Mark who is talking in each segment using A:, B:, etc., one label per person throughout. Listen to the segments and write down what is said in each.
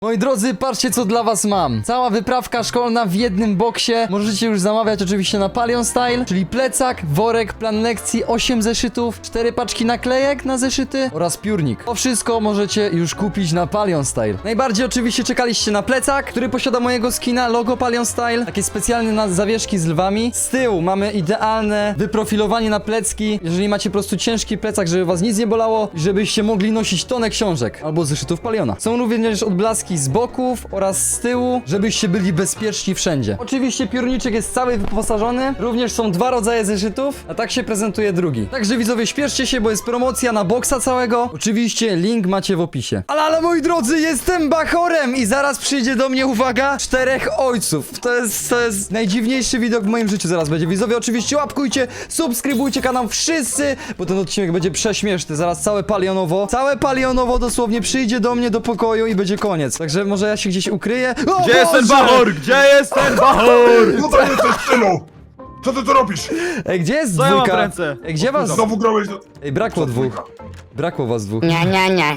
A: Moi drodzy, patrzcie co dla was mam. Cała wyprawka szkolna w jednym boksie. Możecie już zamawiać oczywiście na Palion Style, czyli plecak, worek, plan lekcji, 8 zeszytów, 4 paczki naklejek na zeszyty oraz piórnik. To wszystko możecie już kupić na Palion Style. Najbardziej oczywiście czekaliście na plecak, który posiada mojego skina, logo Palion Style, takie specjalne na zawieszki z lwami. Z tyłu mamy idealne wyprofilowanie na plecki, jeżeli macie po prostu ciężki plecak, żeby was nic nie bolało i żebyście mogli nosić tonę książek albo zeszytów Paliona. Są również odblaski z boków oraz z tyłu, żebyście byli bezpieczni wszędzie. Oczywiście piórniczek jest cały wyposażony, również są 2 rodzaje zeszytów, a tak się prezentuje drugi. Także widzowie, śpieszcie się, bo jest promocja na boksa całego. Oczywiście link macie w opisie. Ale moi drodzy, jestem bachorem i zaraz przyjdzie do mnie, uwaga, 4 ojców. To jest najdziwniejszy widok w moim życiu zaraz będzie. Widzowie, oczywiście łapkujcie, subskrybujcie kanał wszyscy, bo ten odcinek będzie prześmieszny. Zaraz całe palionowo dosłownie przyjdzie do mnie do pokoju i będzie koniec. Także może ja się gdzieś ukryję. O,
B: Gdzie jest ten
A: Boże!
B: bachor? Gdzie jest ten bachor?
C: Tutaj jesteś, synu! Co ty tu robisz?
A: Ej, gdzie jest
B: Co ja mam
A: dwójka?
B: w ręce?
A: Ej, gdzie was?
C: Znowu grałeś...
A: Ej, brakło dwóch. Brakło was dwóch.
D: Nie.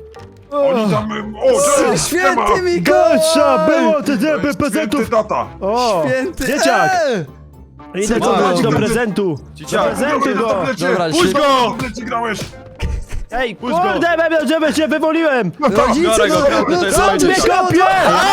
C: Oni tam... O, cześć!
A: Święty Mikołaj!
E: Gorsza było te
C: Święty
E: prezentów!
C: tata!
E: O!
A: Święty!
E: Dzieciak! Idę
B: Co
E: to
B: ty?
E: do prezentu!
B: Dzieciak.
E: Prezentuj go!
A: Dobra,
B: Puść go!
C: W grałeś!
E: Ej,
B: Puść go.
E: kurde, żeby cię wywoliłem!
A: Rodzice,
B: Biorę go,
A: no
B: to jest
A: co
B: ojciec.
A: ty
E: Mnie
A: szkoda?
E: kopie!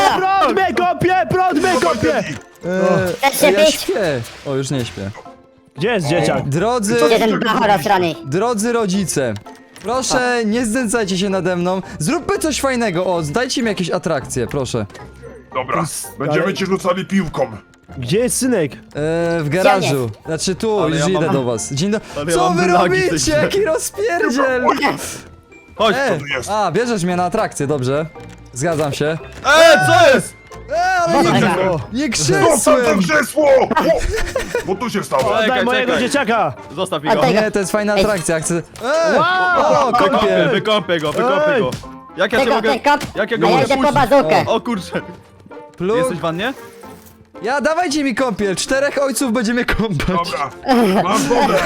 E: Prąd mnie kopie!
D: Chcesz się
A: Ja
D: pić?
A: śpię. O, już nie śpię.
E: Gdzie jest dzieciak?
A: Drodzy
D: Jeden bachor strony.
A: rodzice, proszę nie znęcajcie się nade mną. Zróbmy coś fajnego. O, dajcie mi jakieś atrakcje, proszę.
C: Dobra, będziemy ci rzucali piłką.
E: Gdzie jest synek?
A: W garażu. Znaczy tu,
B: Ale
A: już
B: ja
A: idę
B: mam-
A: do was. Dzień dobry.
B: ale ja
A: Co
B: mam
A: wy
B: lagi w tej
A: robicie?
B: grze.
A: Jaki rozpierdziel?
B: Chodź.
C: tu jest?
A: A, bierzesz mnie na atrakcję, dobrze. Zgadzam się.
B: Co jest?
A: Ale nie,
E: O,
A: nie
C: Zostaw to
A: krzesłem!
C: krzesło! Bo tu się stało.
B: Czekaj,
E: oddaj mojego
B: czekaj.
E: dzieciaka!
B: Zostaw mi go.
D: Oddaj.
A: Nie, to jest fajna atrakcja, chcę...
E: Wow!
A: O, kąpiel!
B: Wykąpię go.
E: Ej.
B: Jak ja cię
D: Tego,
B: mogę...
D: ten kop.
B: Jak ja
D: A
B: go
D: ja
B: mogę
D: idę po
B: puścić?
D: bazookę.
B: O kurczę.
A: Pluk.
B: Jesteś w wannie?
A: Ja, dawajcie mi kąpiel, 4 ojców będzie mnie kąpać.
C: Dobra, masz wodę.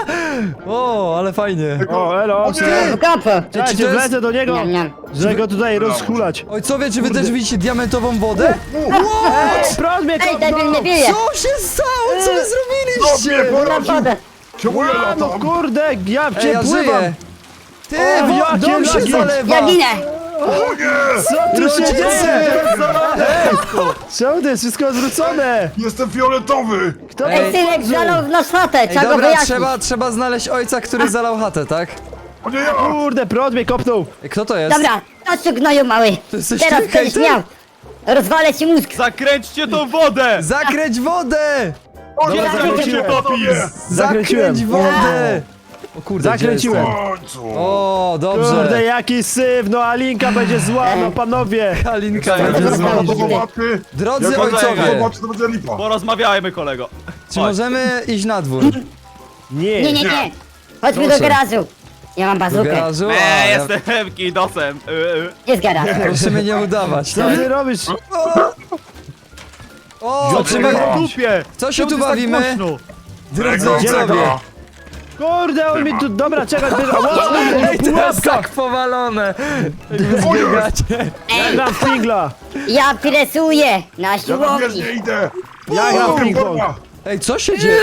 A: O, ale fajnie.
E: O, elo!
D: W kopu.
E: Czekajcie,
A: to jest-
E: wlecę do niego!
D: Niam, niam.
E: Że go tutaj rozhulać!
A: Ojcowie, czy wy też widzicie diamentową wodę?
E: Ej, prąd mnie
D: Ej, debil mnie
E: kopnął!
D: bije.
A: Co się stało? Co wy
C: No
A: zrobiliście?
C: mnie
D: Mam
C: poraził!
D: wodę.
C: Czemu ja
E: A, no
C: latam?
E: kurde, ja
A: Ej,
E: cię
A: ja
E: pływam!
A: żyję. Ty,
E: O, jakie
A: dom się
E: lagi.
A: zalewa.
D: Ja ginę.
C: O nie!
E: Co tu się
A: Rodzice!
E: dzieje? Czemu to jest wszystko odwrócone?
C: Jestem fioletowy!
E: Kto
D: Ej,
E: to
D: synek zalał w nas chatę.
A: Ej,
D: Trzeba go
A: dobra,
D: wyjaśnić.
A: trzeba znaleźć ojca, który zalał chatę, tak?
C: O nie, ja!
E: Kurde, prąd mnie kopnął!
A: Ej, kto to jest?
D: Dobra, chodź tu gnoju mały.
A: To jesteś
D: Teraz
A: ty,
D: będziesz
A: hejter?
D: miał. Rozwalę ci mózg.
B: Zakręćcie tą wodę!
A: Zakręć wodę!
C: O nie,
E: zakręciłem.
A: Zakręć
E: Zakręciłem.
A: wodę! O kurde, gdzie
E: Zakręciłem.
C: W
A: jestem?
C: końcu!
A: O,
E: Kurde,
A: dobrze.
E: jaki syf, no Alinka będzie zła, no panowie!
A: Kalinka
B: Czekaj,
A: będzie
D: dobra,
A: zła.
D: dobra.
C: Zobaczy!
A: Drodzy
C: Jak
A: ojcowie,
C: zobacz, to będzie lipa.
B: Porozmawiajmy, kolego.
A: czy
B: Chodź.
A: możemy iść na dwór?
D: Nie.
E: Nie,
D: Chodźmy
A: Proszę.
D: do garażu. Ja mam
A: Do
D: bazookę.
A: garażu? A, ja...
B: Jestem kidosem.
D: Jest garaż.
A: Proszę mnie nie udawać.
E: co ty robisz?
A: O, trzeba...
B: Dupie!
A: Co się
B: Czemu
A: tu
B: ty tak
A: bawimy?
B: głośno?
A: Drodzy
C: Tego,
A: ojcowie.
C: tego.
E: Kurde, on mi tu... Dobra, czekaj,
A: Ej, to jest tak powalone.
C: O jest!
A: Biegacie.
E: ja gram w pingla!
D: Ja presuję na
C: Ja tam
D: siłowni.
C: wiesz, nie idę!
E: Ja gram w ping-pong!
A: Ej, co się dzieje?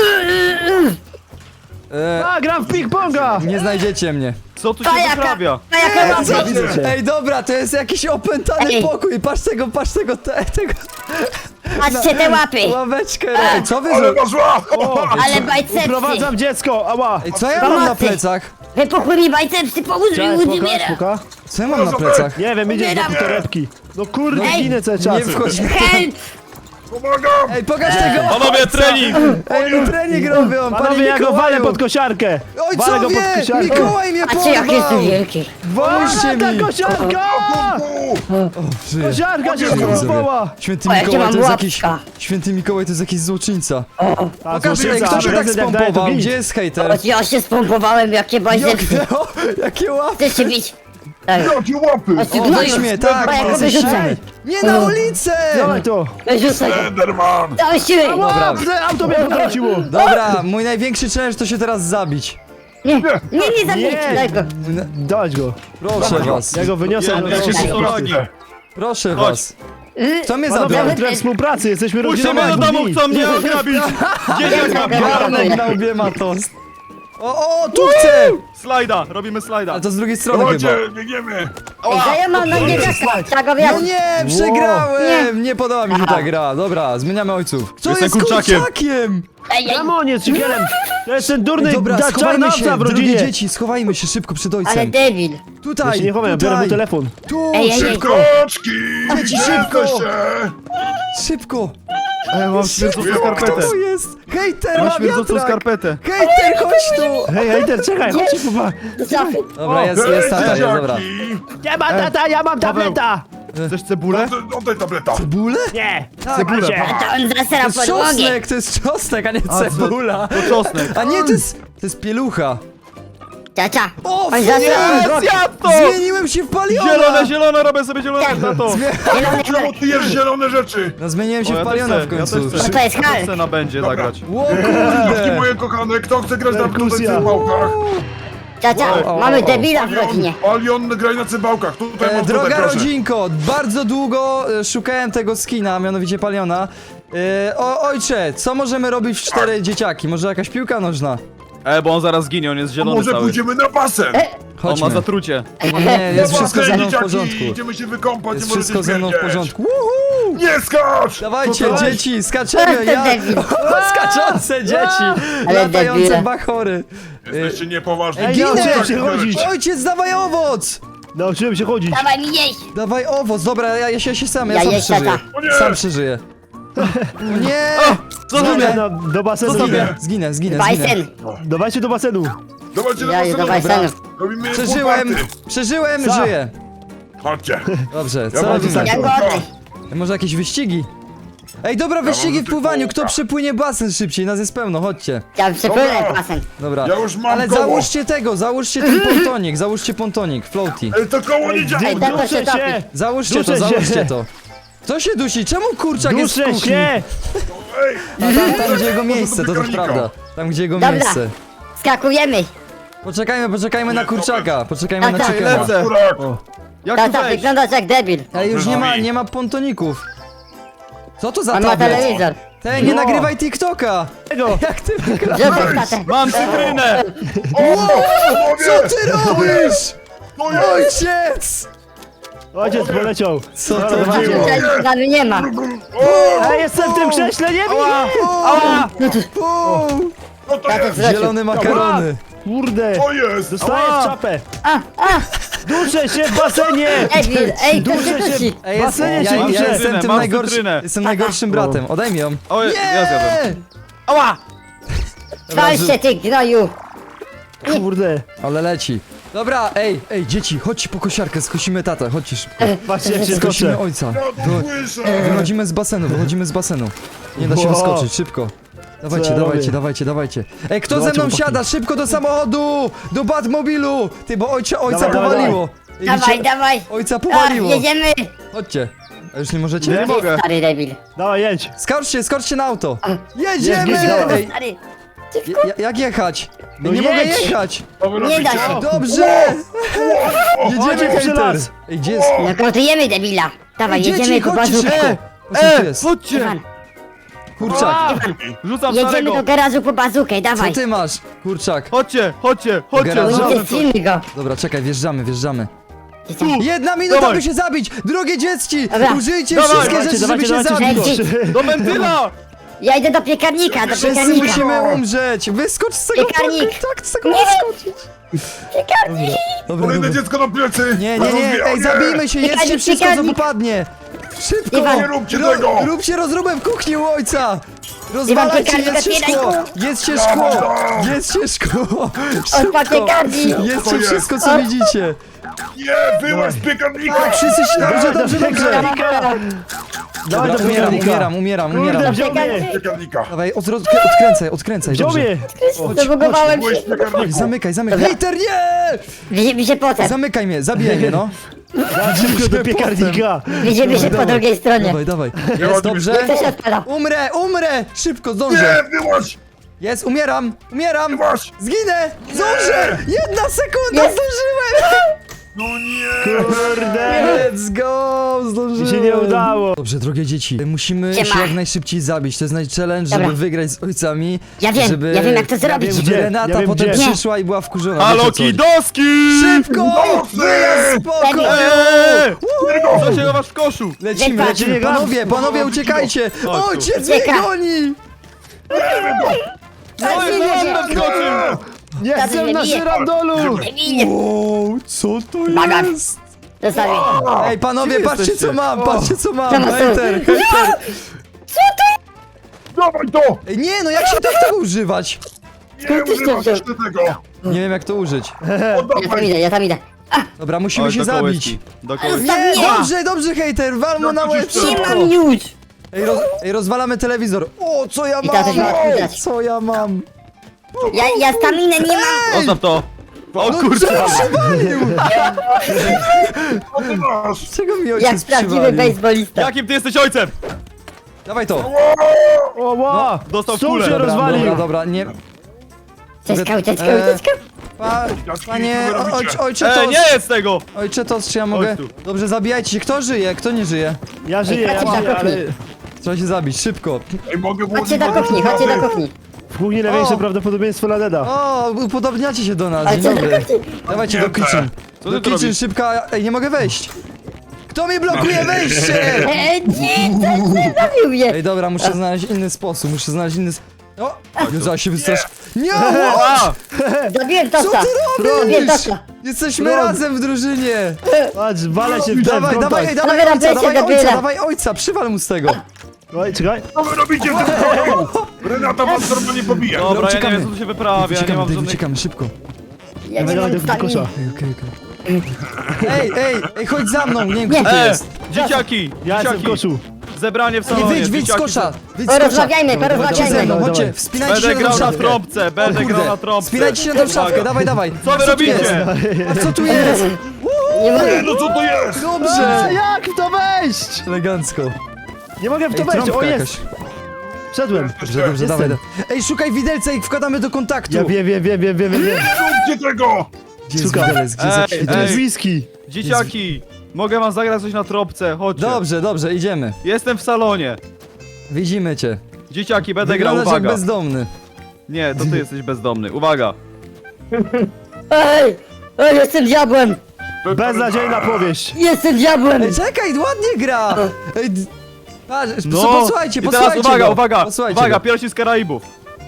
E: A, gram w ping-ponga!
A: Nie znajdziecie mnie.
B: Co tu się
D: Pajaka,
B: wyprawia?
D: pajaka mam.
A: Co?
E: widzę cię.
A: Ej, dobra, to jest jakiś opętany
D: Ej.
A: pokój. Patrz tego, tego
D: Patrzcie te łapy.
A: ławeczkę. Ej, co wy
C: Ale
A: zrobicie?
C: masz łap!
D: Ale bajcepsy.
E: Prowadzam dziecko, ała!
A: Ej, co ja mam na
D: Pomocy.
A: plecach?
D: Wypuchły mi bajcepsy, pomóż mi,
E: Cześć,
D: łódź
E: puka,
D: umiera.
E: puka.
A: Co ja mam na plecach?
E: Nie wiem, idziesz do
D: Umieram.
E: torebki. No kurde,
D: Ej.
E: ginę cały
A: Nie
E: czas.
A: wchodź.
D: Help!
C: Pomagam!
A: Ej, pokaż tego.
B: Panowie, trening!
A: Ej, oni trening robią,
E: Panowie, ja go walę
A: Mikołaju.
E: pod kosiarkę! Walę go pod
A: Ojcowie,
E: kosiarkę!
A: Mikołaj mnie
D: Patrzcie, jak jest tu
A: porwał.
D: wielki.
A: Pomóżcie
E: Ta
A: mi.
E: kosiarka!
A: Żyję.
E: Kosiarka się
A: Widzowie.
E: zrąbała!
A: Święty
D: O, jakie
A: Mikołaj
D: mam
A: to jest jakiś...
D: łapka.
A: Święty Mikołaj to jest jakiś złoczyńca.
E: A,
A: Pokaż, ej,
E: złoczyńca,
A: kto się tak
E: prezydent jak daje, to
A: spompował?
E: bij.
A: Gdzie jest hejter?
D: Choć ja się spompowałem, jakie bajcepsy.
A: Jakie łapy.
D: Chcesz się bić? Tak.
C: Jakie łapy!
D: Chodź tu
A: O,
D: gnoju.
A: weź mnie, tak.
D: Bo ja go
A: jesteś-
D: wyrzucę.
A: Nie na ulicę!
E: Dawaj to!
D: Wyrzucę go.
C: Enderman!
D: Dałeś siły.
A: Dobra.
E: Auto mnie potrąciło!
A: Dobra, mój największy challenge to się teraz zabić.
D: Nie zabijcie
E: Nie.
D: tego.
E: Dać go!
A: Proszę was.
E: Ja go wyniosę
B: Ja
E: do
B: się
E: domu.
B: broni.
A: Proszę
B: Chodź.
A: was. Kto mnie
E: Panowie,
A: zabrał?
E: mamy trochę współpracy, jesteśmy rodziną.
B: Puśćcie mnie do domu, chcą mnie ograbić! Dzieciak na
A: Garnek na łbie ma tost. O, tu chcę!
B: Slajda, robimy slajda.
A: Ale to z drugiej strony chyba.
C: Dawajcie, biegniemy.
D: Ej, to ja mam na niedźwiadka. Tak go
A: No
D: wiem.
A: nie, przegrałem! Nie podoba mi się ta gra. Dobra, zmieniamy ojców. Kto
B: Jestem
A: jest
B: kurczakiem.
A: kurczakiem?
D: Ej, ej,
E: Czemu on jest szpiegiem? To jest ten durny
A: Dobra, schowajmy
E: czarnowca
A: się,
E: w
A: drogie
E: rodzinie.
A: dzieci, schowajmy się szybko przed
D: ale
A: ojcem.
D: debil.
E: Ja
A: Tutaj,
E: się nie chowam, ja biorę mu
A: tutaj,
E: telefon.
A: tu,
D: Ej, ej, ej.
A: szybko,
C: Koczki!
A: Dzieci,
C: Gdzie
A: szybko!
C: jesteście?
A: szybko.
B: Ej, mam śmierdzącą
A: Kto
B: skarpetę.
A: to jest? Hejter,
B: Mam
A: ma
B: śmierdzącą
A: wiatrak!
B: skarpetę.
A: Hejter, chodź tu!
E: Hej, hejter, czekaj, chodźcie, kupa.
A: Dobra, jest tata, jest, dobra.
E: Nie ma tata, ja mam tableta.
B: Chcesz cebulę?
C: Oddaj tableta.
A: Cebulę?
E: Nie,
A: Tak,
E: cebulę.
A: Asia.
D: To on
A: To
D: zasera
A: jest
D: podłogę.
A: czosnek, to jest czosnek, a nie cebula.
B: To czosnek.
A: A nie, to jest pielucha.
D: Cia.
A: O,
D: On zasera
B: Jest,
D: podłogę.
B: zjadł to!
A: Zmieniłem się w paliona!
B: Zielone, robię sobie zielone, tato.
D: Zielony
C: Czemu
D: kolor.
C: ty jesz zielone rzeczy?
A: No zmieniłem się
B: O,
A: w
B: ja
A: paliona
B: też
A: w
B: chcę, ja
A: końcu.
B: też chcę.
D: To jest
B: Kto
D: Hal.
B: chce na będzie
C: Dobra.
B: zagrać?
A: Ło
C: Dzieci
A: kurde!
C: moje kochane, kto chce grać na tutaj
E: Dyskusja.
C: cymbałkach?
D: Cia. Mamy debila w rodzinie.
C: Palion, graj na cymbałkach. Tutaj mam
A: Droga
C: tutaj, proszę.
A: rodzinko, bardzo długo szukałem tego skina, mianowicie paliona. Ojcze, co możemy robić w 4 dzieciaki? Może jakaś piłka nożna?
B: Bo on zaraz zginie, on jest zielony
C: Może
B: cały.
C: pójdziemy na basen?
B: On ma
A: Chodźmy.
B: zatrucie.
A: Nie, jest
C: Na
A: wszystko
C: basen,
A: ze mną w
C: dzieciaki,
A: porządku.
C: Idziemy się wykąpać,
A: Jest
C: nie możecie
A: wszystko ze mną w
C: śmierdzieć.
A: porządku. Woohoo!
C: Nie skacz!
A: Dawajcie,
C: Co to jest?
A: dzieci, skaczemy!
D: Ten
A: Ja...
D: debil.
A: Skaczące dzieci!
D: Ale
A: Latające
D: debile.
A: bachory!
C: Jesteście niepoważni.
E: Ej,
A: Ginę!
E: nauczyłem się chodzić.
A: Ojciec, dawaj owoc!
E: Nauczyłem się chodzić.
D: Dawaj mi jeść.
A: Dawaj owoc, dobra, ja się sam,
D: Ja
A: sam
D: jeść,
A: przeżyję.
D: tata.
C: O nie!
A: Sam przeżyję. O nie!
B: Co
E: Zginę,
B: zrobię?
E: do basenu.
A: Zginę, zginę, zginę.
D: Bajsen.
E: Dawajcie do basenu.
C: Dawajcie na
D: Ja do
C: basen.
D: bajsenu.
C: Robimy
A: Przeżyłem, przeżyłem,
E: Co?
A: żyję.
C: Chodźcie.
A: Dobrze,
C: Ja
A: co
C: mam
A: robimy?
C: tutaj-
D: Ja go oddaj.
A: Może jakieś wyścigi? Ej, dobra, wyścigi
C: mam
A: w pływaniu, kto
C: tylko-
A: przepłynie basen szybciej, nas jest pełno, chodźcie.
D: Ja przepłynę
C: Dobra.
D: basen.
A: Dobra.
C: Ja już mam
A: Ale
C: koło.
A: załóżcie ten pontonik, załóżcie pontonik, floaty.
C: Ej, to koło nie działa.
D: Ej, tato się
E: Duszę
D: topi.
E: się.
A: Załóżcie to,
E: Duszę się.
A: załóżcie to. Co się dusi? Czemu kurczak jest w
E: Duszę
A: kuchni?
E: się.
C: Ej,
A: Tam gdzie jego miejsce, to też
C: piekarnika.
A: prawda. Tam gdzie jego
D: Dobra.
A: miejsce.
D: Skakujemy.
A: Poczekajmy na kurczaka, poczekajmy na
D: Tak, tak.
A: chickena.
B: Lecę.
C: kurak.
B: Jak tu
D: Tata,
B: wejść?
D: wyglądasz jak debil.
A: Ej, już nie ma pontoników. Co to za
D: On ma
A: tablet?
D: telewizor.
A: Te, nie
E: No.
A: nagrywaj TikToka!
E: Tego.
A: Jak ty wygrasz?
D: Zostaw tatę.
B: Mam cytrynę!
A: Co ty robisz?
C: To jest!
A: Ojciec!
E: Ojciec poleciał.
A: Co
E: Dobra,
A: to
E: dawajcie.
A: było?
D: Tutaj nie ma.
E: Ej, jestem w tym krześle, nie wiem.
B: Ała!
A: Uuu,
C: Co to
D: Tatę
C: jest?
D: zwrócił.
A: zielone makarony.
E: Kurde.
C: To jest!
E: Dostaję
B: Ała.
E: w czapę.
D: A.
E: Duszę się w basenie.
D: Debil. Ej, to
E: Duszę
D: się
E: się.
D: dusi.
A: Ej,
E: Basenie
A: ja
E: się duszę.
A: jestem tym
B: Mam
A: najgorszym,
B: cytrynę.
A: jestem najgorszym bratem. Odejmij ją.
B: O, ja zjadłem. Ała!
D: Wal się ty gnoju.
E: Kurde.
A: Ale leci. Dobra, ej, dzieci, chodźcie po kosiarkę, skosimy tatę, chodźcie szybko.
E: Patrzcie jak się
A: Skosimy
E: skoczę.
A: ojca.
C: Ja to słyszę!
A: Wychodzimy z basenu. Nie da się
E: Wow.
A: wskoczyć, szybko. Dawajcie,
E: Co ja
A: dawajcie,
E: robię?
A: dawajcie. Ej, kto ze
E: Dawajcie,
A: mną
E: chłopaki.
A: wsiada? Szybko do samochodu! Do Batmobilu! Ty, bo ojca
E: Dawaj,
A: powaliło. Ej,
D: Dawaj,
A: widzicie?
D: dawaj.
A: Ojca
D: A,
A: powaliło.
D: jedziemy.
A: Chodźcie. A już nie możecie?
B: Nie mogę.
D: Stary debil.
E: Dawaj, jedź.
A: Skoczcie na auto.
E: Jedź,
A: Jedziemy!
E: jedź, dawaj.
A: Ej,
D: Stary.
A: jak jechać?
E: No
A: nie mogę
E: jedź.
A: jechać.
C: Co wy
D: Nie da
C: robicie?
D: się.
A: Dobrze! Jedziemy,
E: Chodźcie przy
A: hejter.
E: las.
A: Ej, gdzie jest?
D: Nakrotujemy debila. Dawaj,
A: Ej, dzieci,
D: jedziemy po
A: chodźcie
D: bazówkę.
A: szybko. Patrzcie, tu jest.
B: Chodźcie!
D: Iwan,
A: Kurczak.
B: Rzucam
D: jedziemy
B: starego!
D: do garażu po bazookę,
A: Co
D: dawaj.
A: ty masz? Kurczak.
B: Chodźcie!
A: Garażu.
D: Będzie
B: Znalazłem coś.
D: filmy go.
A: Dobra, czekaj, wjeżdżamy.
D: Dzieciaki.
A: 1 minuta,
B: Dawaj.
A: by się zabić! Drogie dzieci!
D: Dobra.
A: Użyjcie
B: Dawaj,
A: wszystkie
E: Dawajcie,
A: rzeczy, żeby
E: dawajcie,
A: się
E: dawajcie.
A: zabić!
B: Do wentyla!
D: Ja idę do piekarnika, do
A: Wszyscy
D: piekarnika.
A: musimy umrzeć! Wyskocz z tego
D: Piekarnik.
A: tak, z tego
D: Nie.
A: wyskoczyć!
D: Piekarnik.
A: Dobra,
C: Kolejne
A: dobra.
C: dziecko na plecy!
A: Nie,
C: Rozbija-
A: ej, zabijmy się, jedzcie
D: Piekarnik,
A: wszystko, co
D: piekarnik.
A: popadnie! Szybko!
D: Iwan.
C: Nie róbcie tego.
A: Róbcie rozróbę w kuchni u ojca! Rozwalajcie,
D: piekarnik,
A: jedzcie szkło!
D: otwieraj.
A: Jedzcie szkło! Jedzcie szkło!
D: Odpal piekarnik.
C: To
A: Jedzcie
C: jest.
A: wszystko, co widzicie!
C: Nie, wyłaź z piekarnika!
A: Tak, wszyscy się... Dobrze!
E: Dawaj
A: Dobra,
E: do piekarnika.
A: umieram.
E: Kurde, wziął mnie.
C: Piekarnika!
A: Dawaj, odkręcaj,
E: Wziął
A: dobrze.
E: mnie.
D: Zabugowałem
C: Byłeś
D: się.
C: w piekarniku!
A: Zamykaj. Hejter, nie!
D: Widzimy się potem.
A: Zamykaj mnie, zabijaj mnie, no.
E: Dawaj szybko do piekarnika.
D: Widzimy się po drugiej stronie.
A: Dawaj.
C: Nie
A: Jest,
C: ładnie
A: dobrze?
D: To się odpala.
A: Umrę! Szybko, zdążę.
C: Nie, wyłaź!
A: Jest, umieram!
C: Wyłaź!
A: Zginę! Zdążę! 1 sekunda,
D: Jest.
A: zdążyłem!
C: No nie!
E: Kurde!
A: Let's go!
E: Mi
A: Zdążyłem!
E: się nie udało.
A: Dobrze, drogie dzieci, musimy
D: Siema.
A: się jak najszybciej zabić. To jest challenge, żeby
D: Dobra.
A: wygrać z ojcami.
D: Ja wiem,
A: żeby,
D: ja wiem, jak to zrobić.
A: Żeby
E: Gdzie?
A: Renata
E: Ja wiem,
A: potem
E: gdzie.
A: przyszła i była wkurzona.
B: Halo,
A: Wiecie o co chodzi.
B: kidoski!
A: Szybko! Wyjazd z pokoju!
B: Co się chowasz w koszu?
A: Lecimy,
D: Wypadł.
A: lecimy. Panowie, uciekajcie!
B: Chodź tu.
A: Ojciec mnie
D: Ucieka.
A: goni!
B: No jest, zaraz skoczył!
E: Jestem na
D: bije.
E: żyrandolu!
D: Debilie.
A: Wow, co to
D: Bagat.
A: jest?
D: Zostawię.
A: Ej, panowie,
B: Gdzie
A: patrzcie
B: jesteście?
A: co mam, patrzcie co mam!
D: Co masz?
A: Hejter!
C: Dawaj to!
A: Ej, nie, no jak się tak tego używać?
C: Nie
D: Skąd tyś to
C: używasz
D: wziął?
C: jeszcze tego!
A: Nie wiem jak to użyć.
D: Ja tam idę.
A: Dobra, musimy
B: Chodź
A: się
B: do
A: zabić.
B: kołyski. Do kołyski.
A: Nie,
D: Nie.
A: dobrze, hejter, wal mu na łeb
C: Nie
D: Nie
A: szybko.
D: mam już.
A: Ej, rozwalamy telewizor. O, co ja
D: I teraz
A: mam?
D: się ma widać.
A: Co ja mam?
D: Ja staminę nie mam.
B: Zostaw to! O
A: No
B: kurczę!
A: co przywalił?
C: Co ty masz?
A: Czego mi
D: Jak
A: ojciec
D: prawdziwy
A: przywalił?
D: bejsbolista.
B: Jakim ty jesteś ojcem?
A: Dawaj to.
E: O, ła!
B: Dostał
E: Stół
B: kulę.
E: się
B: Dobra,
E: rozwalił!
A: Dobra, nie.
D: Ucieczka.
A: Panie,
C: Co wy robicie?
A: ojcze to...
B: Nie jest tego!
A: Ojcze to, czy ja mogę...
B: tu.
A: Dobrze, zabijajcie się. Kto żyje? Kto nie żyje?
E: Ja żyję,
D: chodźcie do
E: ale...
D: kuchni.
A: Trzeba się zabić, szybko.
C: Ej, mogę włożyć
D: Chodźcie do kuchni, chodźcie do kuchni.
E: W kuchni największe
A: O!
E: prawdopodobieństwo na deda.
A: O, upodobniacie się do nas, dzień
D: Chodźcie do
A: dobry.
D: kuchni.
A: Dawajcie do kitchen.
B: Co
A: Do
B: ty tu
A: kitchen,
B: robisz?
A: szybka. Ej, nie mogę wejść. Kto mi blokuje wejście?
D: Nie, zabił mnie.
A: Ej, dobra, muszę znaleźć inny sposób, muszę znaleźć inny... O! Józa się wystrasz... Nie!
B: A!
D: Zabiłem
A: Co
D: tosta.
A: ty
D: Zabiłem
A: robisz?
D: tosta.
A: Jesteśmy
E: Rob.
A: razem w drużynie!
E: Patrz, walę się w ten
A: Dawaj,
E: kontakt.
A: dawaj, ej, dawaj
D: Dobra,
A: ojca,
D: weźcie
A: dawaj
D: do
A: ojca,
D: biura.
A: dawaj ojca, przywal mu z tego.
E: Oj, czekaj.
C: Co wy robicie w tym pokoju? Renata was normalnie pobija!
B: Dobra, ja nie
A: uciekamy.
B: wiem co tu się wyprawia, nie
A: Uciekamy,
B: mam
A: Dave,
B: żadnych...
A: uciekamy, szybko.
D: Ja nie
E: Dawaj,
D: mam
E: do kosza.
D: staminy.
A: Ej, ej, chodź za mną, nie wiem kto tu
B: E!
A: jest.
B: Dzieciaki!
E: Ja jestem w
B: Dzieciaki!
E: koszu.
B: Zebranie w
A: Ej,
B: salonie,
A: wyjdź z
B: dzieciaki
A: kosza,
B: są-
A: wyjdź z kosza.
D: Porozmawiajmy,
A: Chodźcie ze
D: porozmawiajmy.
A: mną,
E: Dawaj,
A: chodźcie,
E: dawaj.
A: wspinajcie
B: Będę
A: się na
B: grał
A: tą
B: na
A: szafkę.
B: trąbce, będę grał na trąbce.
A: Wspinajcie się na tą szafkę, dawaj, dawaj.
B: Co wy
A: tu
B: robicie?
A: jest? A co tu jest?
D: Nie mogę.
C: No co to jest?
A: Dobrze.
E: Jak w to wejść?
A: Elegancko.
E: Nie mogę w to
A: Ej,
E: wejść, o
A: trąbka
E: jest!
A: jakaś.
E: Wszedłem.
A: Dobrze, dobrze,
E: Jestem.
A: dawaj. Ej, szukaj widelca i wkładamy do kontaktu.
E: Ja wiem.
C: Róbcie tego!
A: Gdzie jest
E: Szukam.
A: widelec, gdzie jest jakiś
B: Ej,
E: To jest
A: widelec?
E: whisky.
B: Dzieciaki! Mogę wam zagrać coś na trąbce, chodźcie.
A: Dobrze, idziemy.
B: Jestem w salonie.
A: Widzimy cię.
B: Dzieciaki, będę grał,
A: Wyglądasz jak
B: uwaga.
A: bezdomny.
B: Nie, to ty jesteś bezdomny, uwaga.
D: Ej, jestem diabłem.
E: Beznadziejna powieść.
D: Jestem diabłem.
A: Ej, czekaj, ładnie gra. Ej, patrz,
B: No,
A: posłuchajcie,
B: i teraz
A: posłuchajcie
B: uwaga,
A: go.
B: uwaga,
A: Posłuchajcie
B: uwaga,
A: go.
B: piersi z Karaibów.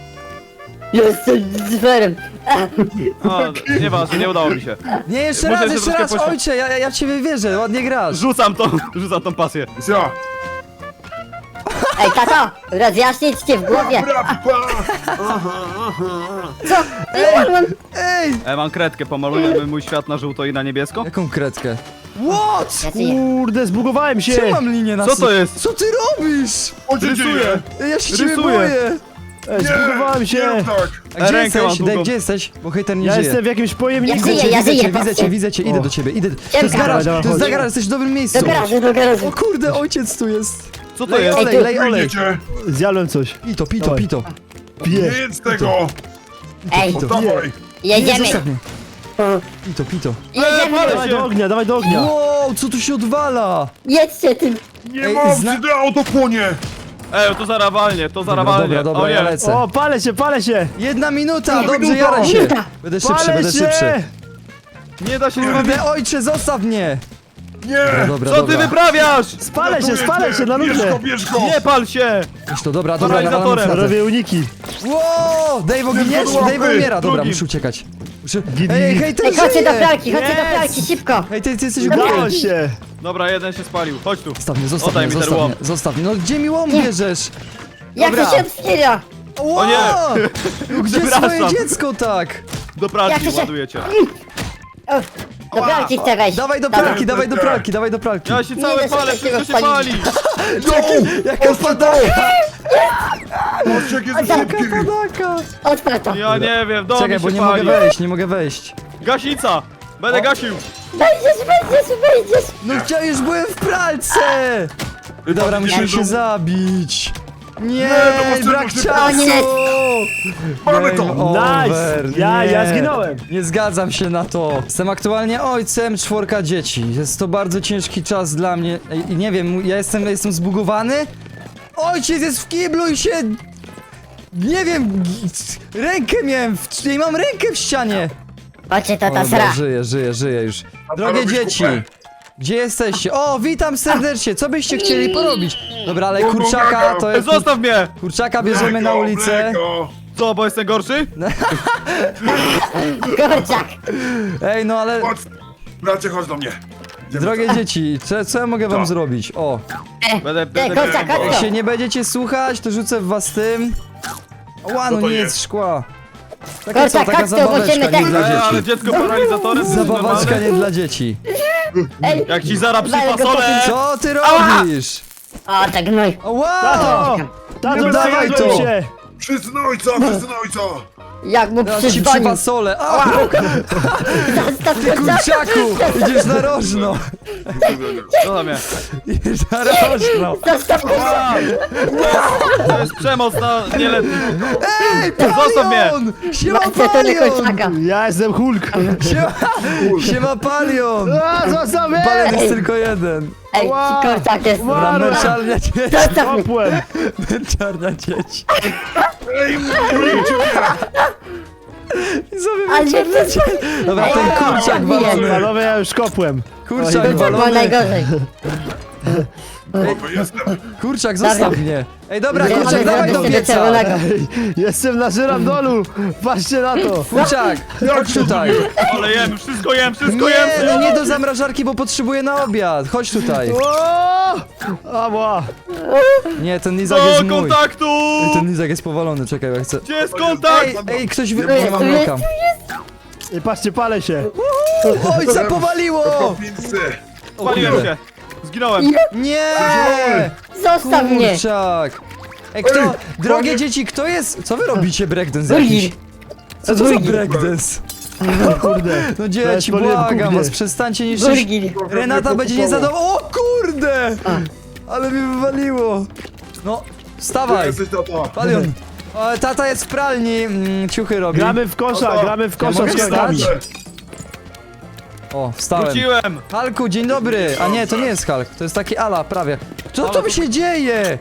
D: Jestem zwerem.
B: A, nieważne, nie udało mi się.
A: Nie, jeszcze
B: Muszę
A: raz,
B: się
A: jeszcze
B: troszkę
A: raz, ojcze, ja w ciebie wierzę, ładnie grasz.
B: Rzucam tą pasję.
C: Ja!
D: Ej, tato, rozjaśnić cię w głowie. Co? Umarłem.
A: Ej,
B: Mam kredkę, pomalujemy mój świat na żółto i na niebiesko.
A: jaką kredkę? What?
D: Ja żyję.
E: Kurde, zbugowałem się.
A: Czemu mam linię na
B: Co to jest?
A: Co ty robisz?
C: O, co dzieje?
A: Ej, ja się ciebie
B: Rysuję.
A: boję.
E: Ej, zbugowałem się.
C: Nie, tak!
A: A gdzie
B: Rękę mam
A: jesteś?
B: długą.
A: Dave, gdzie jesteś? Bo hejter nie
E: Ja
A: żyje.
E: jestem w jakimś pojemniku.
D: Ja żyję,
A: Widzę
D: patrzcie.
A: cię, widzę cię, idę do ciebie, idę. To jest
D: Ciemka.
A: garaż,
E: Dawaj,
A: to jest
E: chodź.
A: garaż, jesteś w dobrym miejscu.
D: Do garażu.
A: O kurde, ojciec tu jest.
B: Co to
A: Lej
B: jest?
A: olej, lej olej.
C: Wyjdziecie!
E: Zjadłem coś.
A: Pito, pito,
E: Dawaj.
A: pito.
C: Nie
E: Piję.
C: jedz tego!
D: Ej,
C: Dawaj!
A: Nie,
D: jedziemy.
A: zostaw mnie. Pito, pito.
D: Jedziemy.
E: Dawaj do ognia, dawaj do ognia.
A: Wow, co tu się odwala?
D: Jedźcie tym.
C: Nie
A: Ej,
C: mam,
A: zna-
C: gdy auto płonie!
B: To zarawalnie, to zarawalnie.
A: Dobra,
B: O
A: ja
B: nie.
A: lecę.
E: O, palę się.
A: 1 minuta,
C: Nie,
A: dobrze,
C: minuta.
A: jaraj się.
D: Minuta.
A: Będę szybszy,
E: Palę
A: będę
E: się.
A: szybszy.
B: Nie da się zrobić.
A: Kurde, ojcze, zostaw mnie.
C: Nie!
A: Dobra,
B: Co ty
A: dobra.
B: wyprawiasz?
E: Spalę się na
C: Bierz
E: ludzie.
C: go, bierz go!
B: Nie pal się!
A: Weź to, dobra,
B: Paralizatorem.
A: nawalam frazę.
E: Robię uniki.
A: Wow, Dave oginiesz?
C: Ty,
A: Dave umiera, dobra,
B: drugim.
A: muszę uciekać. Muszę...
E: Git,
A: Ej,
E: git.
A: hejter
D: Ej, chodźcie do
A: żyje!
D: pralki, szybko.
A: Hej, ty jesteś u
E: Udało
A: góry.
E: się.
B: Dobra, jeden się spalił, chodź tu.
A: Zostaw mnie, zostaw
B: Oddaj
A: mnie,
B: mi ten
A: zostaw
B: łom.
A: mnie, zostaw mnie. No gdzie mi łom
D: Nie.
A: bierzesz?
D: Jak
A: Dobra.
D: to się otwiera?
A: Wow!
B: nie.
A: No gdzie
B: Przepraszam.
A: swoje dziecko tak?
B: Do
D: Jak
B: pralki
D: to się-
B: ładujecie.
D: O, do pralki chcę wejść.
A: Dawaj do
D: Dobra.
A: pralki, dawaj do pralki, dawaj do pralki.
B: Ja się
D: Nie
B: cały
D: da się
B: palę,
D: takiego
B: wszystko się pali.
A: Jaka padaka!
C: Patrzcie, jak jest
A: Jaka
C: szybki!
A: padaka!
D: Odpal to.
B: Ja nie wiem, dom
A: Czekaj,
B: mi
A: bo
B: się
A: nie mogę
B: pali.
A: wejść, nie mogę wejść.
B: Gaśnica! Będę gasił!
D: Wejdziesz.
A: No już byłem w pralce! Dobra, musimy się zabić.
C: Nie,
A: Nie,
C: to
A: brak
C: potrzebny
A: czasu!
C: Mamy to!
A: Game over.
E: Nice! Ja
A: Nie.
E: zginąłem.
A: Nie zgadzam się na to. Jestem aktualnie ojcem 4 dzieci. Jest to bardzo ciężki czas dla mnie. I nie wiem, ja jestem zbugowany? Ojciec jest w kiblu i się... Nie wiem, rękę miałem, nie mam rękę w ścianie.
D: Chodźcie, to ta
A: Dobra,
D: sra.
A: żyję już. Drogie
C: robisz
A: dzieci,
C: kupę?
A: gdzie jesteście? O, witam serdecznie, co byście chcieli porobić? Dobra, ale
C: Go, go,
A: kurczaka
C: go.
A: to jest...
B: Zostaw mnie!
A: Kurczaka bierzemy na ulicę.
C: Mleko.
B: Co, bo jestem gorszy?
D: Kurczak.
A: Ej, no ale...
C: Chodź, bracie, chodź do mnie. Idziemy.
A: Drogie dzieci, co ja mogę wam
C: Co?
A: zrobić? O,
B: Będę...
D: Kurczak,
A: jak
D: chodź
A: się
D: tu.
A: nie będziecie słuchać, to rzucę w was tym. Ła, no
C: Co to
A: nie
C: jest?
A: jest szkła. Taka co,
D: Kurczak,
A: taka
D: chodź tu,
A: zabaweczka
D: musimy
A: nie
D: ten...
A: dla
B: ale
A: dzieci.
B: dziecko paralizatorem?
A: Zabaweczka nie dla dzieci.
D: Ej,
B: Jak ci zara
D: Daj go
B: przypasole!
A: Co ty robisz?
D: o, tak gnój.
A: Wow!
E: Tato! Tato,
A: No dawaj
E: zgadzam
A: to.
E: się!
C: Wszyscy na ojca, wszyscy na ojca!
D: Jak mu
A: Teraz ci
D: przyzwonił.
A: przypasole. A,
D: Zostaw
A: ty kurczaku! Idziesz na rożno.
B: Co tam mnie?
A: Idziesz na rożno.
D: Zostaw kurczaka.
B: To jest przemoc na nieletnich.
A: Ej,
B: Zostaw mnie!
A: Palion! Siema
D: Macie to nie
A: Palion!
D: kurczaka.
E: Ja jestem Hulk!
A: Siema Palion!
E: A, zostaw mnie!
A: Palion jest tylko jeden.
D: Ej,
E: Ła.
D: kurczak jest.
E: Ła.
A: Męczarnia dzieci.
D: Zostaw mnie.
E: Kopłem!
A: Męczarnia dzieci.
C: Ej, mówicie mnie!
A: I sobie
D: Ale
A: męczarnia dzieci. Dobra, ten kurczak
D: Ej,
A: walony.
E: Panowie, ja już kopłem.
A: Kurczak
D: Kurczak było
A: walony.
D: najgorzej.
C: Chłopy, jestem.
A: Kurczak, zostaw mnie. Ej, dobra,
D: Nie
A: kurczak,
D: mamy
A: dawaj do
D: zrobić
A: pieca.
D: czerwonego.
E: Jestem na żyrandolu! Patrzcie na to!
A: Kurczak, chodź tutaj.
B: Ale jem, wszystko jem, wszystko
A: Nie,
B: jem!
A: no nie do zamrażarki, bo potrzebuję na obiad. Chodź tutaj.
E: O! Ała!
A: Nie, ten lizak jest
B: Do
A: mój.
B: kontaktu!
A: Ej, ten lizak jest powalony, czekaj, ja chcę...
B: Gdzie jest kontakt?
A: Ej, ktoś wy...
D: jest,
A: Nie mam
D: tu jest,
A: mleka.
E: I patrzcie, palę się!
A: Ojca powaliło!
C: Kopinsy!
A: O
B: Paliłem
A: kurde.
B: się. Zginąłem.
A: Nie!
D: Zostaw mnie.
A: Kurczak! Ej, kto? Drogie dzieci, kto jest? Co wy robicie breakdance jakiś?
D: Burgir.
A: Co to za
D: Burgir.
A: breakdance?
E: Kurde!
A: No dzieci,
E: Powiem,
A: błagam
E: kurde.
A: was, przestańcie niszczyć.
D: Burgir.
A: Renata będzie niezadowolona. O kurde! Ale mi wywaliło. No,
C: Gdzie
A: wstawaj.
C: jesteś, tato?
A: Palion. O, tata jest w pralni, ciuchy robi.
E: Gramy w kosza, gramy w kosza
A: mogę
E: z kagami.
A: wstać? O, wstałem.
B: Wróciłem.
A: Halku, dzień dobry! A nie, to nie jest Hulk, to jest taki Ala, prawie. Co to się dzieje?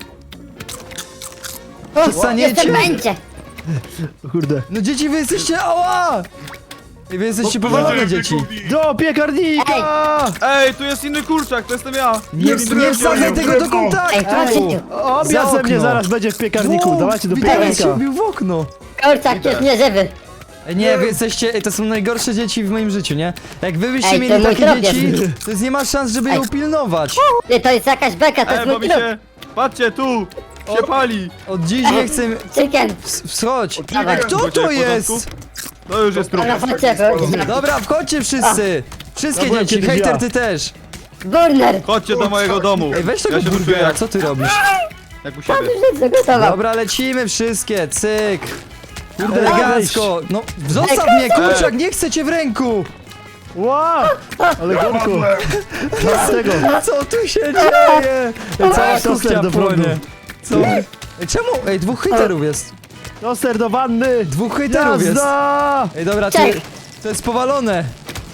A: Przestaniecie?
D: Jestem będzie.
E: Kurde.
A: No dzieci, wy jesteście... Ała! I wy jesteście powalone, dzieci.
E: Do piekarnika!
B: Ej, tu jest inny kurczak, to jestem ja.
A: Nie wsadzaj tego do
D: Ej,
A: kontaktu!
D: chodźcie tu.
E: Obiad
A: Za
E: ze mnie
A: okno.
E: zaraz będzie w piekarniku,
A: Wow,
E: dawajcie do
A: Widelec się
E: piekarnika.
A: wbił w okno.
D: Kurczak jest nieżywy.
A: Ej, nie, wy jesteście... Ej, to są najgorsze dzieci w moim życiu, nie? Jak wy byście
D: Ej, to
A: mieli
D: mój
A: takie
D: trop
A: dzieci,
D: jest.
A: to jest nie ma szans, żeby je
D: Ej.
A: upilnować.
D: Ty, to jest jakaś beka, to
B: Ej,
D: jest
B: bo
D: mój
B: mi
D: klub.
B: się... Patrzcie, tu! Się pali.
A: Od dziś nie chcę...
D: Chicken.
A: Wschodź.
D: Dawaj.
A: Kto
B: Będzie
A: to
B: w
A: jest?
B: porządku? To już jest trup.
D: Ale chodźcie, chodźcie.
A: Dobra, wchodźcie wszyscy. Wszystkie
E: Dobra,
A: dzieci,
E: kiedyś
A: hejter
E: ja.
A: ty też.
D: Burner.
B: Chodźcie do mojego domu.
A: Ej, weź tego
B: Ja się czuję
A: burgera,
B: jak,
A: co ty robisz?
B: jak u siebie.
D: Już zagotował.
A: Dobra, lecimy wszystkie, cyk. Kurde,
E: Ej,
A: elegancko. No, zostaw mnie, kurczak, nie chcę cię w ręku.
E: Wow! Ale gorko!
C: Padłem.
E: Z tego!
A: Co tu się dzieje? Ej, cała
E: Toster
A: kuchnia
E: do prądu.
A: płonie. Co? Ej, czemu? Ej, dwóch hejterów jest.
E: Toster do wanny!
A: Dwóch hejterów jest.
E: Jazda!
A: Ej, dobra,
D: Czek.
A: to jest powalone.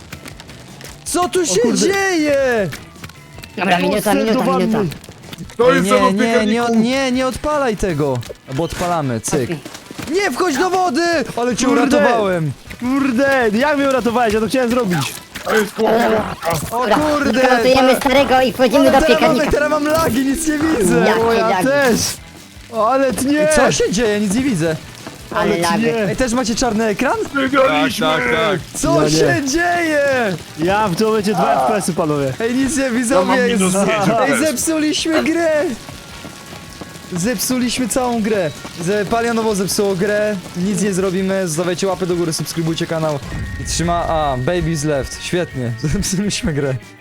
A: Co tu się
E: kurde.
A: dzieje?
D: Dobra, minuta,
E: Toster do
D: minuta,
E: wanny.
D: minuta.
C: To
A: Ej,
C: jest celo w piekarniku.
A: nie odpalaj tego. Albo odpalamy, cyk. Nie wchodź do wody! Ale cię
E: Kurde.
A: uratowałem.
E: Kurde, jak mnie uratowałeś? Ja to chciałem zrobić.
C: To jest kołowrotka.
A: O
D: Dobra,
A: kurde.
D: wykonujemy starego i wchodzimy do piekarnika.
A: Teraz mam lagi, nic nie widzę.
D: Ja-
E: O, ja
D: lagi.
E: też! Ale tnie!
A: Co się dzieje? Nic nie widzę.
D: Ale lagi.
E: tnie!
A: Ej, też macie czarny ekran?
C: Wygraliśmy!
B: Tak, tak.
A: Co
E: Ja nie.
A: się dzieje?
E: Ja w tym momencie 2 FPS-y, panowie.
A: Ej, nic nie
C: Ja mam
A: widzowie.
C: minus 5
A: Ej,
C: FPS.
A: zepsuliśmy grę. Zepsuliśmy całą grę. Palionowo zepsuło grę. Nic nie zrobimy. Zostawiajcie łapy do góry, subskrybujcie kanał. I trzyma... A, Baby's Left. Świetnie. Zepsuliśmy grę.